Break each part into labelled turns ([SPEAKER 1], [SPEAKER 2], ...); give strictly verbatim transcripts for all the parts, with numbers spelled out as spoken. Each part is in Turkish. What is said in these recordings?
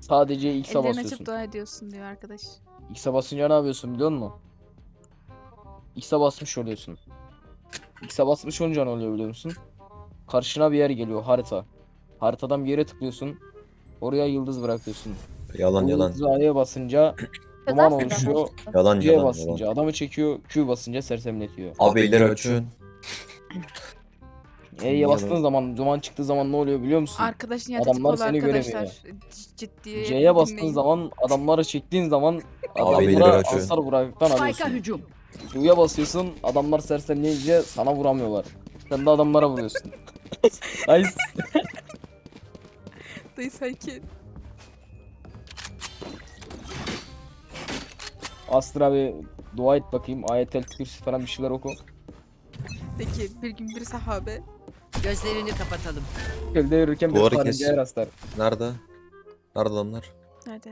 [SPEAKER 1] Sadece X'e
[SPEAKER 2] Ellerini
[SPEAKER 1] basıyorsun.
[SPEAKER 2] açıp dua ediyorsun diyor arkadaş.
[SPEAKER 1] X'e basınca ne yapıyorsun biliyor musun? X'e basmış oluyorsun. X'e basmış olunca ne oluyor biliyor musun? Karşına bir yer geliyor, harita. Haritadan bir yere tıklıyorsun. Oraya yıldız bırakıyorsun.
[SPEAKER 3] Yalan
[SPEAKER 1] O
[SPEAKER 3] yalan.
[SPEAKER 1] yıldızı A'ya basınca duman oluşuyor.
[SPEAKER 3] Yalan
[SPEAKER 1] C'ye
[SPEAKER 3] yalan
[SPEAKER 1] basınca
[SPEAKER 3] yalan.
[SPEAKER 1] adamı çekiyor. Q basınca sersemletiyor.
[SPEAKER 3] Abi elleri açın.
[SPEAKER 1] E'ye bastığın zaman, duman çıktığı zaman ne oluyor biliyor musun?
[SPEAKER 2] Arkadaşın yaratıcı
[SPEAKER 1] Adamlar
[SPEAKER 2] kolu
[SPEAKER 1] seni
[SPEAKER 2] arkadaşlar.
[SPEAKER 1] göremiyor.
[SPEAKER 2] C- Ciddiye
[SPEAKER 1] C'ye bastığın
[SPEAKER 2] dinleyin.
[SPEAKER 1] zaman, adamları çektiğin zaman
[SPEAKER 3] Abi elleri
[SPEAKER 1] adamlara
[SPEAKER 3] açın.
[SPEAKER 1] hasar bıraktıktan
[SPEAKER 4] Spike'a
[SPEAKER 1] alıyorsun.
[SPEAKER 4] hücum.
[SPEAKER 1] Q'ya basıyorsun, adamlar sersemleyince sana vuramıyorlar. Sen de adamlara vuruyorsun. Nice.
[SPEAKER 2] Dayı sakin.
[SPEAKER 1] Astra bir dua et bakayım. Ayetel Kürsü falan bir şeyler oku.
[SPEAKER 2] Peki bir gün bir sahabe.
[SPEAKER 4] Gözlerini kapatalım.
[SPEAKER 1] Kölde yürürken bir
[SPEAKER 3] Duvarı kes.
[SPEAKER 1] karıncaya rastlar.
[SPEAKER 3] Nerede? Nerede adamlar?
[SPEAKER 2] Nerede?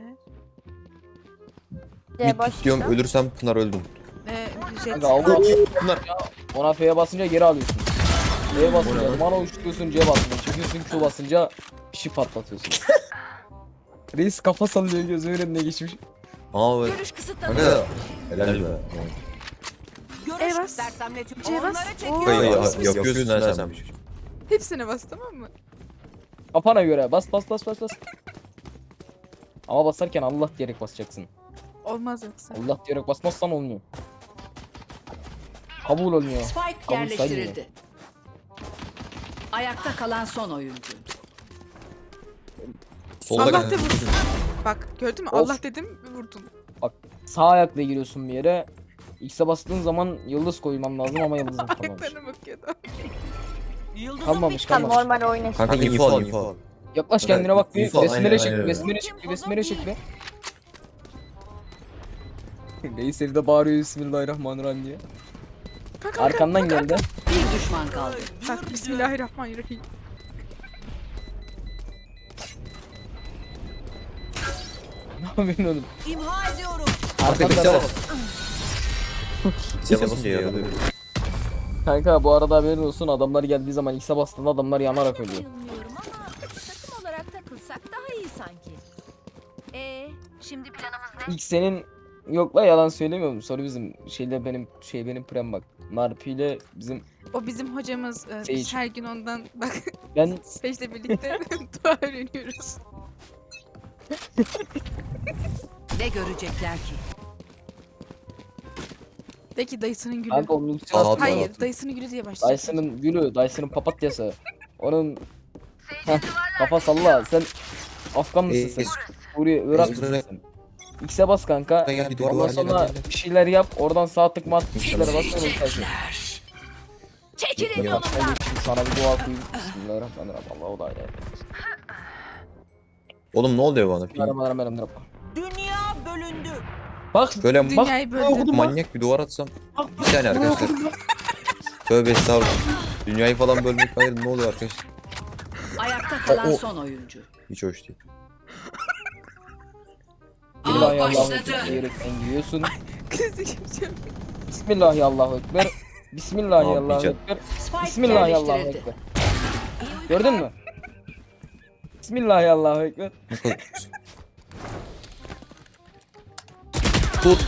[SPEAKER 3] Mid diyorum, ölürsem Pınar öldüm.
[SPEAKER 2] Ee, jet.
[SPEAKER 1] Kanka Allah
[SPEAKER 3] Pınar.
[SPEAKER 1] ona F'ye basınca geri alıyorsun. F'ye basınca mana uçturuyorsun, C basınca çekiyorsun, Q basınca bir şey patlatıyorsun. Reis kafa sallıyor, gözümün önüne geçmiş.
[SPEAKER 3] Aa evet.
[SPEAKER 4] Görüş kısıtlanıyor.
[SPEAKER 3] Kanka. Helal be.
[SPEAKER 2] E bas. C bas. Oo,
[SPEAKER 3] Hayır ya,
[SPEAKER 2] basmış.
[SPEAKER 3] yapıyorsun ha sen.
[SPEAKER 2] Hepsine bas tamam mı?
[SPEAKER 1] Kafana göre bas bas bas bas bas. Ama basarken Allah diyerek basacaksın.
[SPEAKER 2] Olmaz yoksa.
[SPEAKER 1] Allah diyerek basmazsan olmuyor. Kabul olmuyor.
[SPEAKER 4] Spike
[SPEAKER 1] Kabul
[SPEAKER 4] yerleştirildi. Ayakta kalan son oyuncu.
[SPEAKER 3] Solda
[SPEAKER 2] Allah
[SPEAKER 3] kanka.
[SPEAKER 2] de vurdun. Bak gördün mü?
[SPEAKER 1] Of.
[SPEAKER 2] Allah dedim vurdun.
[SPEAKER 1] Sağ ayakla giriyorsun bir yere. X'e bastığın zaman yıldız koyman lazım ama yıldızın kalmamış.
[SPEAKER 2] Ayaklarına bakıyordu.
[SPEAKER 1] Kalmamış
[SPEAKER 5] Tam
[SPEAKER 1] kalmamış.
[SPEAKER 5] normal oyna.
[SPEAKER 3] Kanka info al info al.
[SPEAKER 1] Yaklaş kendine bak bir.
[SPEAKER 3] İnfo,
[SPEAKER 1] Besmele
[SPEAKER 3] aynen,
[SPEAKER 1] çek,
[SPEAKER 3] aynen.
[SPEAKER 1] besmele çek, besmele çek be. Reis evde bağırıyor Bismillahirrahmanirrahim diye.
[SPEAKER 2] Kanka,
[SPEAKER 1] Arkandan geldi.
[SPEAKER 4] Bir düşman kaldı.
[SPEAKER 2] Bak Bismillahirrahmanirrahim.
[SPEAKER 1] Ne yapıyorsun oğlum?
[SPEAKER 4] İmha ediyorum.
[SPEAKER 3] Kanka bir
[SPEAKER 1] Arkandan
[SPEAKER 3] bas. X'e basınca yaralıyor.
[SPEAKER 1] Kanka bu arada haberin olsun, adamlar geldiği zaman X'e bastığında adamlar yanarak ölüyor.
[SPEAKER 6] Bayılmıyorum ama takım olarak takılsak daha iyi sanki. Ee, şimdi planımız ne?
[SPEAKER 1] İlk senin yok la, yalan söylemiyorum. Sonra bizim şeyle benim şey benim prem bak. Narpi ile bizim
[SPEAKER 2] O bizim hocamız. Ee,
[SPEAKER 1] Sage.
[SPEAKER 2] biz her gün ondan bak
[SPEAKER 1] ben
[SPEAKER 2] Sage'le birlikte dua öğreniyoruz.
[SPEAKER 4] Ne görecekler ki?
[SPEAKER 2] De ki dayısının gülü.
[SPEAKER 1] kanka onun ultisi
[SPEAKER 3] Sağ
[SPEAKER 1] attı.
[SPEAKER 2] Hayır
[SPEAKER 3] Hayır.
[SPEAKER 2] dayısının gülü diye başlayacak.
[SPEAKER 1] Dyson'ın gülü, Dyson'ın papatyası. Onun Heh, kafa salla. Sen Afgan mısın
[SPEAKER 3] Ee,
[SPEAKER 1] sen?
[SPEAKER 3] es-
[SPEAKER 1] Suriye, Irak
[SPEAKER 3] es-
[SPEAKER 1] mısın sen? X'e bas kanka.
[SPEAKER 3] Gel, gel,
[SPEAKER 1] Ondan
[SPEAKER 3] gel,
[SPEAKER 1] sonra
[SPEAKER 3] gel, gel.
[SPEAKER 1] bir şeyler yap. Oradan sağ tık mat bir şeylere bas. Sonra ulti
[SPEAKER 6] Çekilin
[SPEAKER 1] Bak ben
[SPEAKER 6] yolumdan.
[SPEAKER 1] de şimdi sana bir dua okuyayım. Bismillahirrahmanirrahim. Allahu da ilahe
[SPEAKER 3] Oğlum ne oluyor bana?
[SPEAKER 1] Bismillahirrahmanirrahim.
[SPEAKER 4] Dünya bölündü.
[SPEAKER 1] Bak
[SPEAKER 3] Böyle ma-
[SPEAKER 2] Dünyayı böldü.
[SPEAKER 3] manyak bir duvar atsam. Bir saniye arkadaşlar. Tövbe estağfurullah. Dünyayı falan bölmek hayır, ne oluyor arkadaşlar?
[SPEAKER 4] Ayakta kalan
[SPEAKER 3] O- o-
[SPEAKER 4] son oyuncu.
[SPEAKER 3] Hiç hoş değil.
[SPEAKER 4] Av
[SPEAKER 1] Bismillahirrahmanirrahim diyerekten giriyorsun.
[SPEAKER 2] Krizi geçiyorum.
[SPEAKER 1] Bismillahirrahmanirrahim. Bismillahirrahmanirrahim.
[SPEAKER 4] Spike
[SPEAKER 1] Bismillahirrahmanirrahim.
[SPEAKER 4] yerleştirildi.
[SPEAKER 1] Gördün mü? Bismillahirrahmanirrahim.
[SPEAKER 3] Ne kadar- Tut.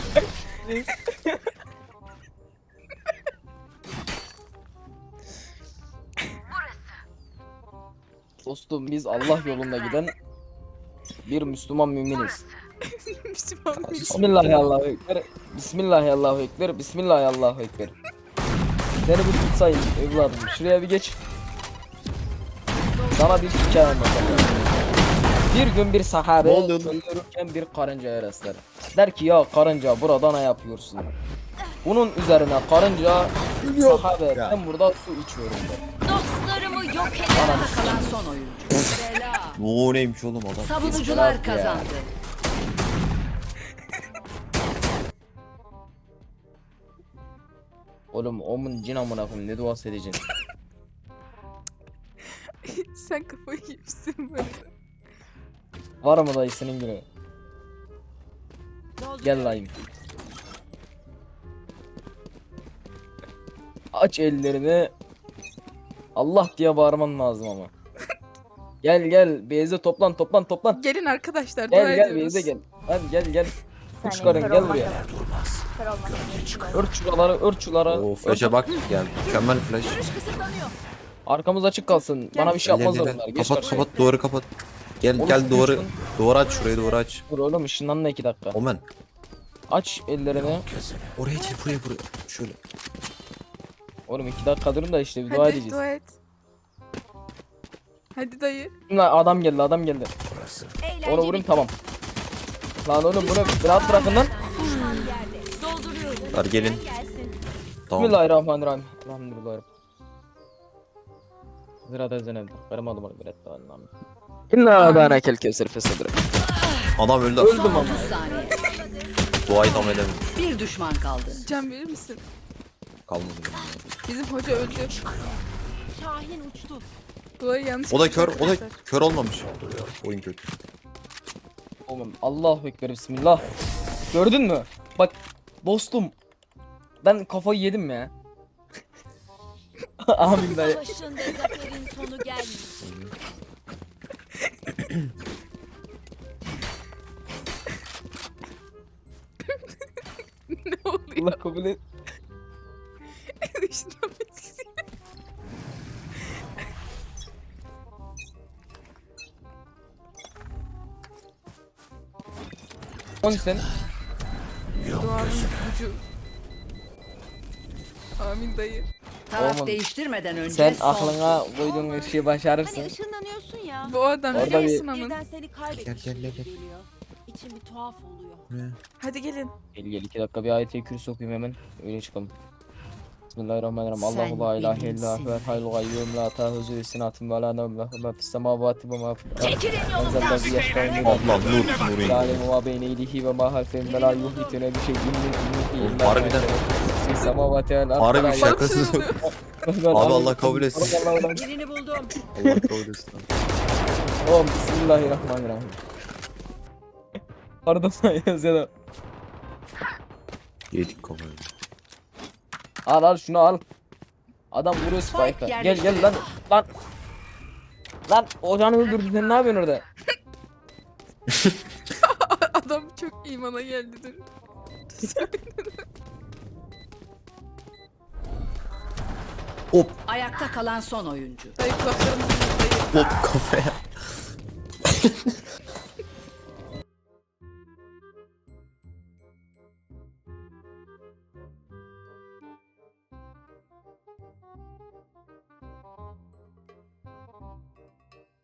[SPEAKER 1] Dostum biz Allah yolunda giden bir Müslüman müminiz.
[SPEAKER 2] Müslüman bir
[SPEAKER 1] Bismillahirrahmanirrahim. Bismillahirrahmanirrahim. Bismillahirrahmanirrahim. Seni bir tutsayım evladım. Şuraya bir geç. Sana bir hikaye anlatacağım. Bir gün bir sahabe
[SPEAKER 3] Ne oluyor lan?
[SPEAKER 1] öldürürken bir karıncaya rastlar. Der ki ya karınca burada ne yapıyorsun? Bunun üzerine karınca sahabe
[SPEAKER 3] Ya.
[SPEAKER 1] ben burada su içiyorum der.
[SPEAKER 6] Dostlarımı yok
[SPEAKER 4] Ayakta
[SPEAKER 6] edemem.
[SPEAKER 4] kalan son oyuncu. Bela.
[SPEAKER 3] Bu neymiş oğlum adam?
[SPEAKER 4] Savunucular
[SPEAKER 1] Ya.
[SPEAKER 4] kazandı.
[SPEAKER 1] Oğlum omun cin amına koyayım ne duası edeceksin?
[SPEAKER 2] Sen kafayı yemişsin böyle.
[SPEAKER 1] Var mı dayısının günü? Gel layım. Aç ellerini. Allah diye bağırman lazım ama. Gel gel Beyze toplan toplan toplan.
[SPEAKER 2] Gelin arkadaşlar. dua
[SPEAKER 1] Gel gel
[SPEAKER 2] ediyoruz.
[SPEAKER 1] Beyze gel. Hadi gel gel.
[SPEAKER 6] Sen
[SPEAKER 1] Üç karın
[SPEAKER 6] kör
[SPEAKER 1] gel
[SPEAKER 6] olma
[SPEAKER 1] buraya.
[SPEAKER 6] sakın. Kör olma sakın.
[SPEAKER 1] Ört şuraları ört şuraları.
[SPEAKER 3] Oo flash'a bak ya mükemmel flash.
[SPEAKER 6] Görüş kısıtlanıyor.
[SPEAKER 1] Arkamız açık kalsın. Bana bir şey
[SPEAKER 3] Gel, gel,
[SPEAKER 1] yapmazlar
[SPEAKER 3] gel.
[SPEAKER 1] bunlar. Geç
[SPEAKER 3] Kapat
[SPEAKER 1] karşıya.
[SPEAKER 3] kapat duvarı kapat. Gel
[SPEAKER 1] Oğlum,
[SPEAKER 3] gel duvarı
[SPEAKER 1] ışın-
[SPEAKER 3] duvarı aç şurayı duvarı aç.
[SPEAKER 1] Dur oğlum ışınlanma iki dakika.
[SPEAKER 3] Omen.
[SPEAKER 1] Aç ellerini.
[SPEAKER 3] Oraya değil buraya buraya. Şöyle.
[SPEAKER 1] Oğlum iki dakika durun da işte bir dua
[SPEAKER 2] Hadi
[SPEAKER 1] edeceğiz.
[SPEAKER 2] dua et. Hadi dayı.
[SPEAKER 1] Şimdi adam geldi adam geldi.
[SPEAKER 6] Eğlenceli.
[SPEAKER 1] Onu vurayım tamam. Lan oğlum bunu rahat bırakın lan.
[SPEAKER 6] Düşman yerde. Dolduruyorum.
[SPEAKER 3] Ver gelin.
[SPEAKER 6] Gelsin.
[SPEAKER 3] Tamam.
[SPEAKER 1] Bismillahirrahmanirrahim. Elhamdülillah. Zirada zenevde. Kırmadım onu bir etti Allah'ım. İnna bana kel kevser fesedre.
[SPEAKER 3] Adam öldü.
[SPEAKER 1] Öldüm
[SPEAKER 4] Son
[SPEAKER 1] ama.
[SPEAKER 4] otuz saniye.
[SPEAKER 3] Duayı tam edemedim.
[SPEAKER 4] Bir düşman kaldı.
[SPEAKER 2] Can verir misin?
[SPEAKER 3] Kalmadı.
[SPEAKER 2] Bizim hoca öldü.
[SPEAKER 6] Şahin uçtu.
[SPEAKER 2] Duayı yanlış
[SPEAKER 3] O da
[SPEAKER 2] yapmış
[SPEAKER 3] kör, o da
[SPEAKER 2] arkadaşlar.
[SPEAKER 3] kör olmamış. Oyun kötü.
[SPEAKER 1] Oğlum Allahu Ekber Bismillah. Gördün mü? Bak dostum. Ben kafayı yedim ya. Amin dayı.
[SPEAKER 6] Savaşın ve zaferin sonu gelmiyor.
[SPEAKER 2] Ne oluyor?
[SPEAKER 1] Allah kabul et.
[SPEAKER 2] Işınlanma etkisi.
[SPEAKER 1] on sen.
[SPEAKER 2] Duanın gücü. Amin dayı.
[SPEAKER 4] Taraf
[SPEAKER 1] Oğlum,
[SPEAKER 4] değiştirmeden önce
[SPEAKER 1] Sen
[SPEAKER 4] son.
[SPEAKER 1] aklına koyduğun bir şeyi başarırsın.
[SPEAKER 6] Hani ışınlanıyorsun ya.
[SPEAKER 2] Bu adam
[SPEAKER 1] Orada
[SPEAKER 2] biliyor
[SPEAKER 1] bir-
[SPEAKER 2] musun amın?
[SPEAKER 6] Birden seni kaybetmiş
[SPEAKER 3] Gel, gel,
[SPEAKER 6] gibi
[SPEAKER 3] gel, gel.
[SPEAKER 6] geliyor. İçim bir tuhaf oluyor.
[SPEAKER 2] Hadi gelin.
[SPEAKER 1] Gel gel iki dakika bir ayet-i kürsü okuyayım hemen. Öyle çıkalım. Bismillahirrahmanirrahim.
[SPEAKER 4] Sen
[SPEAKER 1] Allahu la ilahe
[SPEAKER 4] benimsin.
[SPEAKER 1] illa huvel hayyul gayyum la ta'huzu sinatun ve la nevm lehu ma fis semavati ve ma fil ard.
[SPEAKER 6] Çekilin yolumdan.
[SPEAKER 1] Enzellezi yeşfa'u
[SPEAKER 3] Allah nur nur
[SPEAKER 1] la
[SPEAKER 3] indi.
[SPEAKER 1] ilmu ma beyne yedihi ve ma halfehum ve la yuhitune bi şeyin min ilmihi
[SPEAKER 3] Oğlum,
[SPEAKER 1] illa
[SPEAKER 3] harbiden.
[SPEAKER 1] fis semavati vel ard.
[SPEAKER 3] Harbi
[SPEAKER 1] La
[SPEAKER 3] bir
[SPEAKER 2] Bana bir
[SPEAKER 3] şakasız.
[SPEAKER 2] şey oluyor.
[SPEAKER 3] Abi Allah kabul etsin.
[SPEAKER 1] Allah Allah.
[SPEAKER 4] Birini buldum.
[SPEAKER 3] Allah kabul etsin.
[SPEAKER 1] Oğlum bismillahirrahmanirrahim. Pardon yazıyor.
[SPEAKER 3] Yedik kafayı.
[SPEAKER 1] Al al şunu al. Adam vuruyor
[SPEAKER 4] Spike
[SPEAKER 1] Spike'a. Gel
[SPEAKER 4] yerleşti.
[SPEAKER 1] gel lan. Lan. Lan ocağını öldürdü sen ne yapıyorsun orada?
[SPEAKER 2] Adam çok imana geldi dur.
[SPEAKER 3] Hop
[SPEAKER 4] Ayakta kalan son oyuncu.
[SPEAKER 2] Dayı kulaklarımızı dayı.
[SPEAKER 3] hop kafaya.